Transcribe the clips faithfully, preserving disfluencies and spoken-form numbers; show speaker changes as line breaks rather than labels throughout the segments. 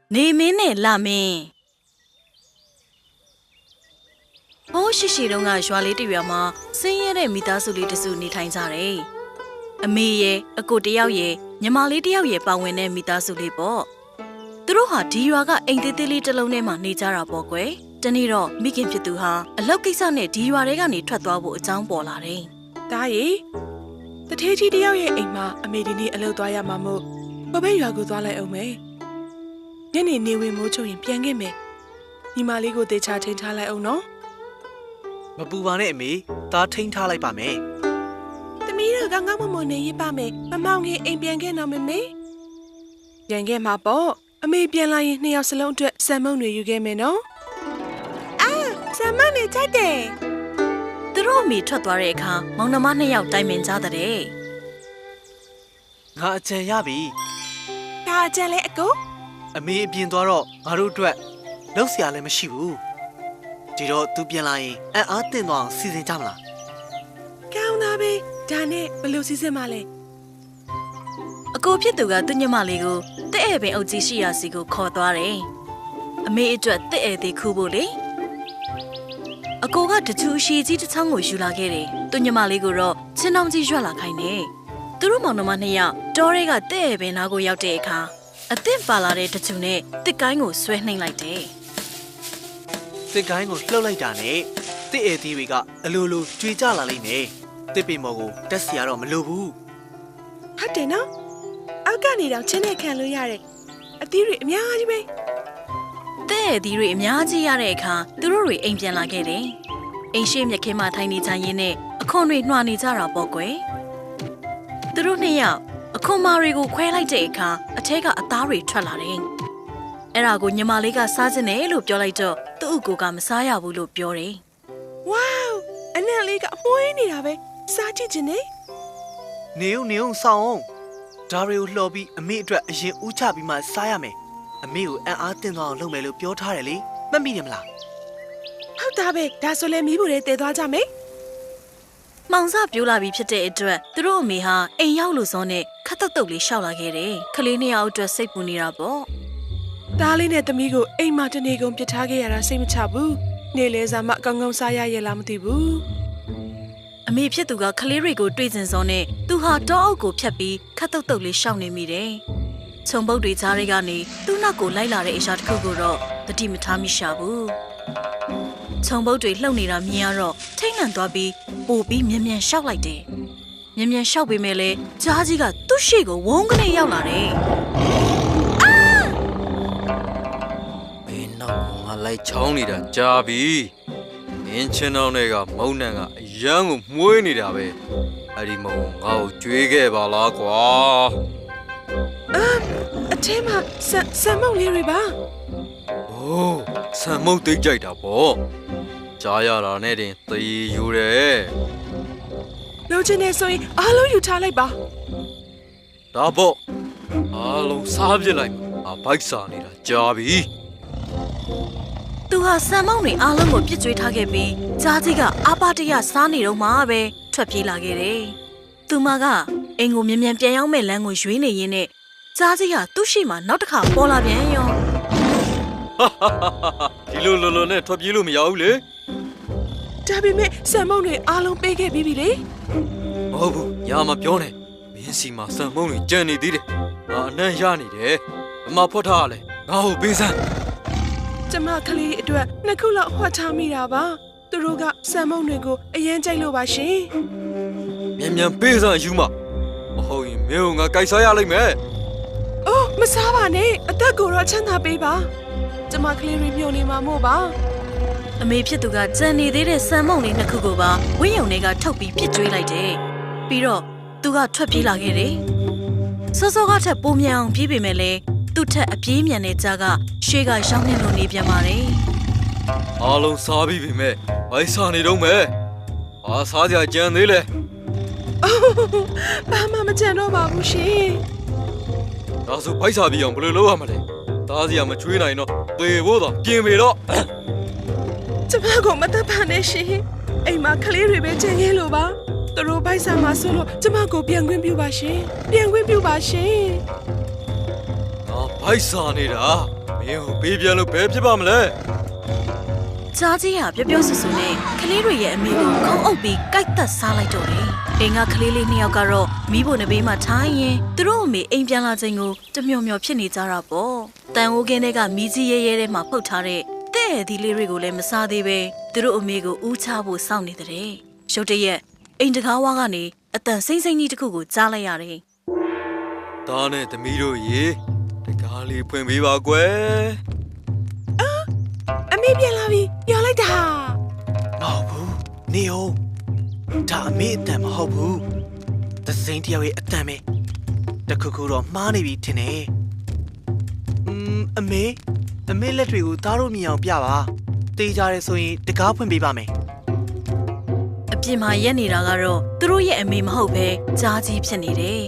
နေမင်းနဲ့လာမင်းဟိုးရှိရှိတုန်းကရွာလေးတရွာမှာဆင်းရဲတဲ့မိသားစုလေးတစုနေထိုင်ကြတယ်။အမေရဲ့အကိုတယောက်ရဲ့ညီမလေးတယောက်ရဲ့ပါဝင်တဲ့မိသားစုလေးပေါ့။သူတို့ဟာဒီရွာကအိမ်သေးသေးလေးတစ်လုံးထဲမှာနေကြတာပေါ့ကွယ်။တနေ့တော့မိခင်ဖြစ်သူဟာအလောက်ကိစ္စနဲ့ဒီရွာထဲကနေထွက်သွားဖို့အကြောင်းပေါ်လာတယ်
။ဒါရီတထေးကြီးတယောက်ရဲ့အိမ်မှာအမေဒီနေ့အလုပ်သွားရမှာမို့ဘဘရွာကိုသွားလိုက်အောင်မယ်။ညနေနေဝင်မိုးချုံရင်ပြန်ခဲ့မယ်။ညီမလေးကိုတေချာထိန်ထားလိုက်အောင်နော်
။မပူပါနဲ့အမေသားထိန်ထားလိုက်ပါမယ်
။သမီးတို့ကောင်းကောင်းမွန်မွန်နေရပါမယ်။မမောင်ငယ်အိမ်ပြန်ခဲ့တော့မမေ။ပြန်ခဲ့မှာပေါ့။အမေပြန်လာရင်နှစ်ယောက်စလုံးအတွက်ဆမ်မုံတွေယူခဲ့မယ်နော်။အာဆမ်မုံတွေချိုက်တယ်
။သူတို့အမေထွက်သွားတဲ့အခါမောင်နှမနှစ်ယောက်တိုင်ပင်ကြတဲ့
ငါအကြံရပြီ
။ဒါအကြံလဲအကို
အမေအပြင်သွားတော့ငါတို့အတွက်လောက်เสียလည်းမရှိဘူးဒီတော့သူပြန်လာရင်အံ့အားသင့်သွားအောင်စီစဉ်ကြမလား
ကောင်းသားပဲဒါနဲ့ဘယ်လိုစီစဉ်မလဲ
အကိုဖြစ်သူကသူ့ညမလေးကိုတဲ့ဧပင်အုပ်ကြီးရှိရာစီကိုခေါ်သွားတယ်အမေအတွက်တဲ့ဧသေးခူးဖို့လေအကိုကတချူအရှိကြီးတစ်ချောင်းကိုယူလာခဲ့တယ်သူ့ညမလေးကိုတော့ချင်းတောင်ကြီးရွက်လာခိုင်းတယ်သူတို့မောင်နှမနှစ်ယောက်တောရဲကတဲ့ဧပင်နားကိုရောက်တဲ့အခါအသင့်ပါလာတဲ့တချူနဲ့တစ်ကိုင်းကိုဆွဲနှိမ့်လိုက်တယ်
တစ်ကိုင်းကိုလှုပ်လိုက်တာနဲ့တစ်ဧသေးတွေကအလိုလိုကြွေကြလာလိမ့်မယ်တစ်ပင်မော်ကိုတက်စီရတော့မလိုဘူး
ဟုတ်တယ်နော်အောက်ကနေတော့ချင်းနဲ့ခံလို့ရတယ်အသီးတွေအများကြီးပဲ
တဲ့ဧသေးတွေအများကြီးရတဲ့အခါသူတို့တွေအိမ်ပြန်လာခဲ့တယ်အိမ်ရှိမြက်ခင်းမှာထိုင်နေကြရင်းနဲ့အခွန်တွေနှွာနေကြတာပေါ့ကွယ်သူတို့နှစ်ယောက်အခွန်မာတွေကိုခွဲလိုက်တဲ့အခါအထက်ကအသားတွေထွက်လာတယ်အဲ့ဒါကိုညီမလေးကစားခြင်းနဲ့လို့ပြောလိုက်တော့သူ့အကူကမစားရဘူးလို့ပြောတယ်
ဝေါအနံ့လေးကအမွှေးနေတာပဲစားကြည့်ခြင်းနဲ့
နေုံနေုံဆောင်အောင်ဒါတွေကိုလှော်ပြီးအမေအတွက်အရင်ဦးချပြီးမှစားရမယ်အမေကိုအံ့အားသင့်သွားအောင်လုပ်မယ်လို့ပြောထားတယ်လေမှတ်မိတယ်မလား
ဟုတ်တာပဲဒါဆိုလည်းမီးဘူးတွေတည်သွားကြမယ်
မှောင်စပြိုးလာပြီးဖြစ်တဲ့အတွက်သူတို့အမေဟာအိမ်ရောက်လို့စောနဲ့ခတ်တုတ်တုတ်လေးရှောက်လာခဲ့တယ်ခလေးနှစ်ယောက်အတွက်စိတ်ပူနေတာပေါ့
သားလေးနဲ့သမီးကိုအိမ်မှာတနေကုန်ပြစ်ထားခဲ့ရတာစိတ်မချဘူးနေလေစားမှကောင်းကောင်းစားရရဲ့လားမသိဘူး
အမေဖြစ်သူကခလေးတွေကိုတွေ့စင်စောနဲ့သူဟာတောအုပ်ကိုဖြတ်ပြီးခတ်တုတ်တုတ်လေးရှောက်နေမိတယ်ခြုံပုတ်တွေကြားတွေကနေသူ့နောက်ကိုလိုက်လာတဲ့အရာတစ်ခုကိုတော့တတိမထားမိရှာဘူးခြုံပုတ်တွေလှုပ်နေတာမြင်ရတော့ထိတ်လန့်သွားပြီးပို့ပြီးမြ мян ရှောက်လိုက်တယ်မြ мян ရှောက်ပေမဲ့လည်းကြားကြီးကသူ့ရှေ့ကိုဝုန်းကနေရောက်လာတယ်
မင်းနောက်ငါလိုက်ချောင်းနေတာကြားပြီမင်းချင်းတော်တွေကမုံနံကအရန်ကိုမှုေးနေတာပဲအဲ့ဒီမုံငါ့ကိုကြွေးခဲ့ပါလားကွာ
အာအထဲမှာဆန်ဆန်မုံလေးတွေပါ
အိုးဆန်မုံသိကြိုက်တာပေါ့ကြားရတာနဲ့တင်သေယူတယ်
လုံးချင်းနေဆိုရင်အားလုံးယူထားလိုက်ပါ
ဒါပေါ့အားလုံးစားပြစ်လိုက်အဘိုက်စာနေတာကြားပြီ
သူဟာဆန်မောင်းတွေအားလုံးကိုပြစ်ကျွေးထားခဲ့ပြီးကြားကြီးကအာပါတရစားနေတော့မှပဲထွက်ပြေးလာခဲ့တယ်သူမကအိမ်ကိုမြ мян ပြန်ရောက်မဲ့လမ်းကိုရွေးနေရင်းနဲ့ကြားကြီးကသူ့ရှိမှနောက်တစ်ခါပေါ်လာပြန်ရော
ဒီလိုလိုလိုနဲ့ထွက်ပြေးလို့မရဘူးလေ
ဒါပေမဲ့ဆန်မုံတွေအားလုံးပေးခဲ့ပြီးပြီလေ
မဟုတ်ဘူးညာမပြောနဲ့မင်းစီမှာဆန်မုံတွေကြံနေသေးတယ်ငါအနှံ့ရနေတယ်အမဖွက်ထားရလဲငါ့ကိုပေးစမ်း
ကျမကလေးအတွက်နှစ်ခုလောက်ဟွက်ထားမိတာပါသူတို့ကဆန်မုံတွေကိုအရင်ကြိုက်လို့ပါရှင်
မြန်မြန်ပေးစမ်းယူမမဟုတ်ရင်မင်းကငါကြိုက်စားရလိမ့်မယ်
အိုးမစားပါနဲ့အသက်ကိုတော့ချမ်းသာပေးပါကျမကလေးတွေမြုံနေမှာမို့ပါ
အမေဖြစ်သူကကြံနေသေးတဲ့ဆန်မုံလေးနှစ်ခုကိုပါဝင်းယုံတွေကထုတ်ပြီးပြစ်ကျွေးလိုက်တယ်ပြီးတော့သူကထွက်ပြေးလာခဲ့တယ်စောစောကထက်ပိုမြန်အောင်ပြေးပေမဲ့လည်းသူ့ထက်အပြေးမြန်တဲ့ကြားကရှေ့ကရောက်နေလို့နေပြန်ပါတယ်
အားလုံးစားပြီးပြီမဲ့ဘိုက်စားနေတော့မယ်အားစားကြကြံသေးလေ
ဘာမှမကြံတော့ပါဘူးရှင်
ဒါဆိုဘိုက်စားပြီးအောင်ဘယ်လိုလုပ်ရမလဲသားစီကမချွေးနိုင်တော့သေဖို့တော့ပြင်ပေတော့
ကျမကမတတ်ပါနဲ့ရှင်အိမ်မှာကလေးတွေပဲကြံရဲလို့ပါသူတို့ဘိုက်စားမှာဆိုလို့ကျမကိုပြန်ခွင့်ပြုပါရှင်ပြန်ခွင့်ပြုပါရှင်
ငါဘိုက်စားနေတာမင်းကိုပေးပြန်လို့ဘယ်ဖြစ်ပါမလဲ
ကြားကြီးဟာပြောပြောဆူဆူနဲ့ကလေးတွေရဲ့အမေကိုခုံအုပ်ပြီးကိုက်သက်စားလိုက်တော့တယ်အိမ်ကကလေးလေးနှစ်ယောက်ကတော့မီးဖို့နဘေးမှာထိုင်ရင်သူတို့အမေအိမ်ပြန်လာချိန်ကိုတမျောမျောဖြစ်နေကြတာပေါ့တန်အိုးကင်းတွေကမီးကြီးရဲရဲထဲမှာဖုတ်ထားတဲ့တဲ့ဒီလေးတွေကိုလည်းမစားသေးပဲသူတို့အမေကိုဦးချဖို့စောင့်နေတဲ့ရုတ်တရက်အိမ်တကားဝါကနေအတန်စိမ့်စိမ့်ကြီးတစ်ခုကိုကြားလိုက်ရတယ်
ဒါနဲ့သမီးတို့ရေတကားလေးဖွင့်ပေးပါကွယ်
အမေပြန်လာပြီပြောလိုက်တာ
မဟုတ်ဘူးနေအောင်ဒါအမေအတန်မဟုတ်ဘူးသစိမ်းတယောက်ရဲ့အတန်ပဲတခုခုတော့မှားနေပြီထင်တယ်อืมအမေအမေလက်တွေကိုသားတို့မြင်အောင်ပြပါတေးကြရဲဆိုရင်တကားဖွင့်ပေးပါမယ်
အပြင်မှာရက်နေတာကတော့သူတို့ရဲ့အမေမဟုတ်ပဲကြားကြီးဖြစ်နေတယ်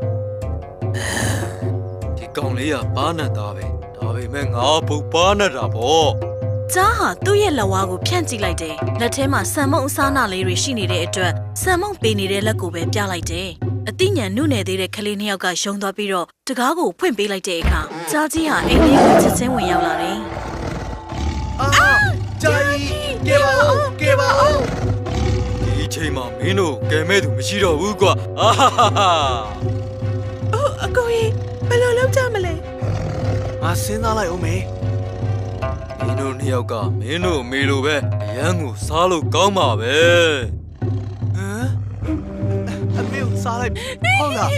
ဒီကောင်လေးကပါနဲ့သားပဲဒါပေမဲ့ငါပုတ်ပါနဲ့တာပေါ့
ကြားဟာသူ့ရဲ့လက်ဝါးကိုဖြန့်ကြည့်လိုက်တယ်လက်ထဲမှာဆံမုံအစားနာလေးတွေရှိနေတဲ့အတွက်ဆံမုံပေးနေတဲ့လက်ကိုပဲပြလိုက်တယ်အသိဉာဏ်နုနယ်သေးတဲ့ကလေးနှစ်ယောက်ကယုံသွားပြီးတော့တကားကိုဖွင့်ပေးလိုက်တဲ့အခါကြားကြီးဟာအိမ်လေးကိုချက်ချင်းဝင်ရောက်လာတယ်
အာဂျာကြီးကဲပါဦးကဲပါဦး
ဒီချိန်မှာမင်းတို့ကဲမဲ့သူမရှိတော့ဘူးကွာအာဟာဟာဟာ
အိုးအကိုကြီးဘယ်လိုလုပ်ကြမလဲ
ငါစဉ်းစားလိုက်ဦးမေ
မင်းတို့နှစ်ယောက်ကမင်းတို့အမေလိုပဲအရန်ကိုစားလို့ကောင်းပါပဲ
ဟမ်အမေကိုစားလိုက်ဟုတ်လား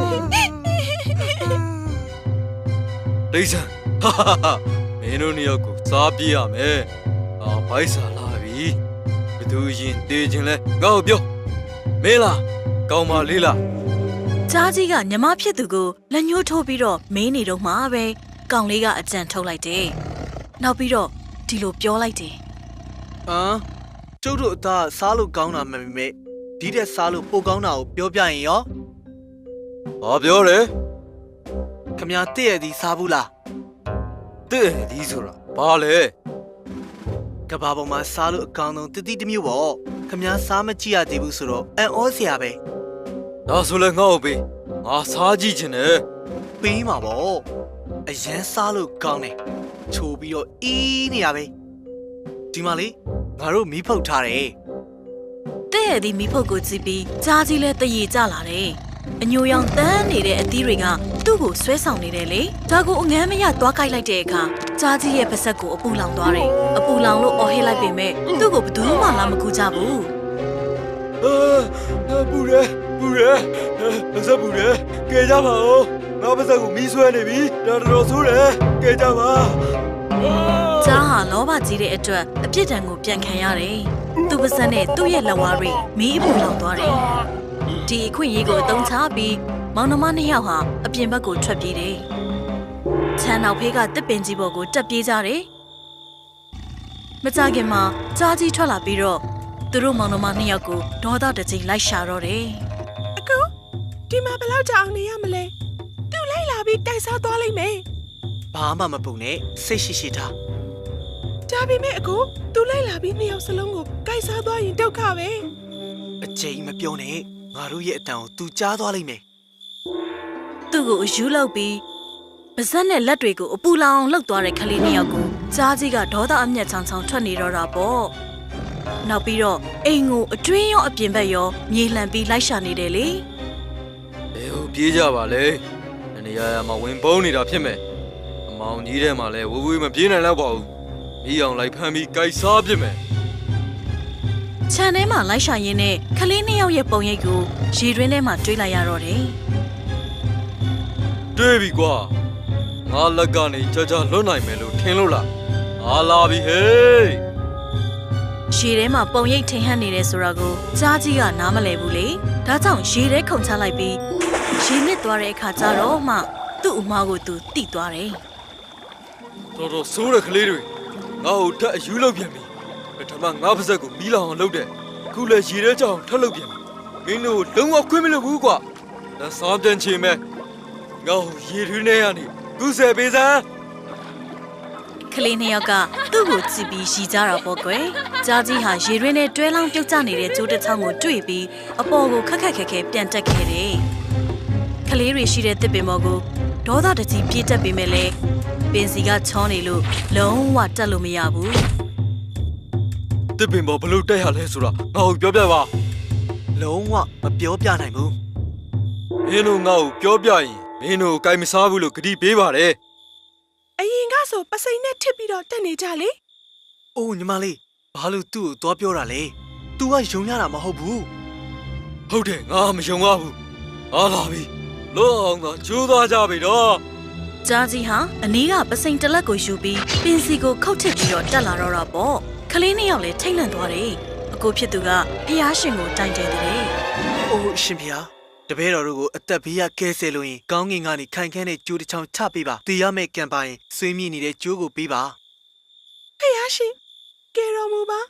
ဒိဆန်ဟာဟာဟာမင်းတို့နှစ်ယောက်ကိုစားပြရမယ်အာဘိုက်စားလာပြီဘသူရင်တေးခြင်းလဲငါ့ကိုပြောမင်းလားကောင်းပါလေးလား
ကြားကြီးကညီမဖြစ်သူကိုလက်ညှိုးထိုးပြီးတော့မင်းနေတော့မှပဲကောင်လေးကအကြံထုတ်လိုက်တယ်နောက်ပြီးတော့ဒီလိုပြောလိုက်တယ်
ဟမ်ကျုပ်တို့အသားစားလို့ကောင်းတာမမေမေဒီတဲ့စားလို့ပိုကောင်းတာကိုပြောပြရင်ရော
ဘာပြောလဲ
ခမတည့်ရသည်စားဘူးလား
တဲ့ဒီဆိုတာဘာလဲ
ကဘာပေါ်မှာစားလို့အကောင်းဆုံးတတိတစ်မျိုးပေါ့ခမစားမကြည့်ရသေးဘူးဆိုတော့အန်ဩစရာပဲ
ဒါဆိုလဲငါ့ကိုပေးငါစားကြည့်ချင်တယ်
ပေးမှာပေါ့အရန်စားလို့ကောင်းတယ်ချိုးပြီးတော့အီးနေရပဲဒီမှာလေငါတို့မီးဖုတ်ထားတယ်
တဲ့ရသည်မိဖုတ်ကိုကြည့်ပြီးကြားကြီးလဲတရေကြလာတယ်အညိုရောင်တန်းနေတဲ့အသီးတွေကသူ့ကိုဆွဲဆောင်နေတယ်လေဒါကိုအငမ်းမရသွားကြိုက်လိုက်တဲ့အခါကြားကြီးရဲ့ပါဆက်ကိုအပူလောင်သွားတယ်အပူလောင်လို့အော်ဟစ်လိုက်ပေမဲ့သူ့ကိုဘယ်သူမှလာမကူကြဘူး
အာပူရဲပူရဲပါစပူရဲကဲကြပါဦးငါပါစကိုမီးဆွဲနေပြီဒါတော်ဆိုးတယ်ကဲကြပါ
ကြားဟာလောဘကြီးတဲ့အတွက်အပြစ်ဒဏ်ကိုပြန်ခံရတယ်သူ့ပါဆက်နဲ့သူ့ရဲ့လက်ဝါးတွေမီးအပူလောင်သွားတယ်ဒီအခွင့်အရေးကိုအသုံးချပြီးမောင်နှမနှစ်ယောက်ဟာအပြင်ဘက်ကိုထွက်ပြေးတယ်ချမ်းနောက်ဖေးကတစ်ပင်ကြီးပေါ်ကိုတက်ပြေးကြတယ်မကြခင်မှာကြားကြီးထွက်လာပြီးတော့သူတို့မောင်နှမနှစ်ယောက်ကိုဒေါသတကြီးလိုက်ရှာတော့တယ်
အကိုဒီမှာဘယ်လောက်ကြာအောင်နေရမလဲသူ့လိုက်လာပြီးတိုက်စားသွားလိမ့်မယ်
ဘာမှမပူနဲ့စိတ်ရှိရှိထား
ဒါပေမဲ့အကိုသူ့လိုက်လာပြီးနှစ်ယောက်စလုံးကိုတိုက်စားသွားရင်ဒုက္ခပဲ
အကျိန်မပြောနဲ့ငါတို့ရဲ့အတန်ကို तू ကြားသွားလိမ့်မယ်
သူ့ကိုအယူလောက်ပြီးပါဇက်နဲ့လက်တွေကိုအပူလောင်လှုပ်သွားတဲ့ကလေးနှစ်ယောက်ကိုကြားကြီးကဒေါသအမျက်ချောင်ချောင်ထွက်နေတော့တာပေါ့နောက်ပြီးတော့အိမ်ကိုအတွင်းရောအပြင်ဘက်ရောမြေလှန်ပြီးလိုက်ရှာနေတယ်လေ
ဘယ်ဟိုပြေးကြပါလဲနေရာရာမှာဝင်ပုန်းနေတာဖြစ်မယ်အမောင်ကြီးထဲမှာလဲဝဝေးမပြေးနိုင်တော့ပါဘူးမိအောင်လိုက်ဖမ်းပြီးကြိုက်စားပြစ်မယ်
ခြံထဲမှာလိုက်ရှာရင်းနဲ့ကလေးနှစ်ယောက်ရဲ့ပုံရိပ်ကိုရေတွင်းထဲမှာတွေးလိုက်ရတော့တယ်
တွေးပြီကွာငါလက်ကနေကြကြလွတ်နိုင်မယ်လို့ထင်လို့လားငါလာပြီဟေး
ရေထဲမှာပုံရိပ်ထင်ဟပ်နေတယ်ဆိုတာကိုကြားကြီးကနားမလည်ဘူးလေဒါကြောင့်ရေထဲခုန်ချလိုက်ပြီးရေနစ်သွားတဲ့အခါကျတော့မှသူ့အမားကိုသူတိသွားတယ်
တော်တော်ဆိုးတဲ့ကလေးတွေငါ့ကိုထက်အယူလောက်ပြန်ပြီပထမငါပါဇက်ကိုမီးလောင်အောင်လုပ်တယ်ခုလည်းရေထဲကြောင်ထက်လုပ်ပြန်ပြီမင်းတို့လုံးဝခွင့်မလို့ဘူးကွာလက်စားပြန်ချင်မဲ့ငါ့ကိုရေထွေးနေရနေကုဆယ်ပေးစမ်း
ကလေးနှစ်ယောက်ကသူ့ကိုကြည့်ပြီးရီကြတာပေါ့ကွယ်ကြားကြီးဟာရေတွင်းနဲ့တွဲလောင်းပြုတ်ကျနေတဲ့ကျိုးတစ်ချောင်းကိုတွေ့ပြီးအပေါ်ကိုခက်ခက်ခဲခဲပြန်တက်ခဲ့တယ်ကလေးတွေရှိတဲ့တစ်ပင်ပေါ်ကိုဒေါသတကြီးပြေးတက်ပေမဲ့လည်းပင်စီကချောနေလို့လုံးဝတက်လို့မရဘူး
တစ်ပင်ပေါ်ဘလို့တက်ရလဲဆိုတာငါ့ကိုပြောပြပါ
လုံးဝမပြောပြနိုင်ဘူး
မင်းတို့ငါ့ကိုပြောပြရင်မင်းတို့ကိုင်မစားဘူးလို့ဂတိပေးပါတယ်
အရင်ကဆိုပစိန်နဲ့ထစ်ပြီးတော့တက်နေကြလေ
အိုးညီမလေးဘာလို့သူ့ကိုသွားပြောတာလဲ तू ကယုံရတာမဟုတ်ဘူး
ဟုတ်တယ်ငါမယုံပါဘူးအားလာပြီလောအောင်သာကျိုးသွားကြပြီတော့
ကြားကြီးဟာအနီးကပစိန်တလက်ကိုယူပြီးပင်စီကိုခုတ်ထစ်ပြီးတော့တက်လာတော့တာပေါ့ကလေးနှစ်ယောက်လည်းထိတ်လန့်သွားတယ်အကိုဖြစ်သူကဖျားရှင်ကိုတိုင်တယ်တဲ့
အိုးရှင်ဖေတပည့်တော်တို့ကိုအသက်ဘေးရကဲဆယ်လို့ရင်ကောင်းကင်ကနေခိုင်ခန့်တဲ့ကြိုးတစ်ချောင်းချပေးပါတည်ရမယ့်ကံပါရင်ဆွေးမြေ့နေတဲ့ကြိုးကိုပေးပါ
ဖယားရှင်ကဲတော်မူပါ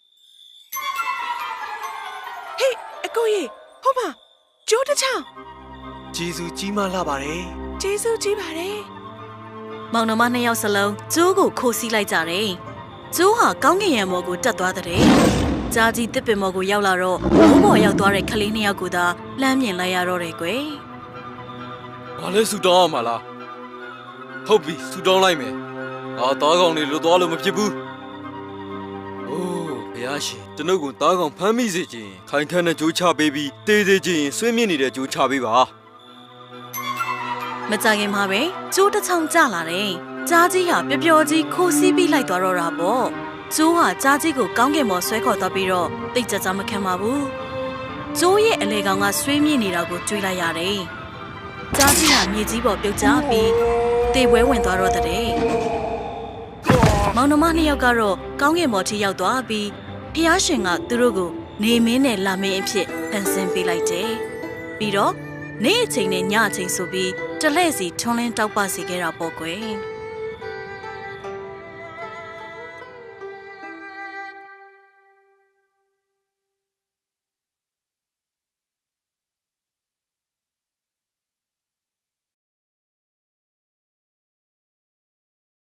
ဟေးအကိုကြီးဟုတ်ပါကျိုးတစ်ချောင်း
ဂျေဇူးကြီးမားလာပါတယ်
ကျေးဇူးကြီးပါတယ်
မောင်နှမနှစ်ယောက်စလုံးကျိုးကိုခိုးစီးလိုက်ကြတယ်ကျိုးဟာကောင်းကင်ရံမော်ကိုတက်သွားတဲ့ကြားကြီးတစ်ပင်မော်ကိုရောက်လာတော့ဘိုးဘော်ရောက်သွားတဲ့ကလေးနှစ်ယောက်ကိုသာလှမ်းမြင်လိုက်ရတော့တယ်ကွယ်
ဘာလဲဆူတောင်းအောင်မလားဟုတ်ပြီဆူတောင်းလိုက်မယ်ငါသားကောင်တွေလွတ်သွားလို့မဖြစ်ဘူးအိုးဘုရားရှင်ကျွန်ုပ်ကိုသားကောင်ဖမ်းမိစေခြင်းခိုင်ခန့်တဲ့ကြိုးချပေးပြီးတေးသေးခြင်းဆွေးမြင့်နေတဲ့ကြိုးချပေးပါ
မကြခင်မှာပဲကျိုးတစ်ချောင်းကျလာတယ်ကြားကြီးဟာပျော်ပျော်ကြီးခိုးစီးပြီးလိုက်သွားတော့တာပေါ့ကျိုးဟာကြားကြီးကိုကောင်းကင်ပေါ်ဆွဲခေါ်သွားပြီးတော့တိတ်ကြကြမခံပါဘူးကျိုးရဲ့အလေကောင်ကဆွေးမြင့်နေတာကိုကြွေးလိုက်ရတယ်ကြားကြီးဟာမြေကြီးပေါ်ပြုတ်ကျပြီးတေပွဲဝင်သွားတော့တဲ့မောင်နှမနှစ်ယောက်ကတော့ကောင်းကင်ပေါ်ထိရောက်သွားပြီးဖျားရှင်ကသူတို့ကိုနေမင်းနဲ့လာမင်းအဖြစ်ဖန်ဆင်းပေးလိုက်တယ်ပြီးတော့နေ့အချိန်နဲ့ညအချိန်ဆိုပြီးတလှည့်စီထွန်းလင်းတောက်ပစီခဲ့တာပေါ့ကွယ်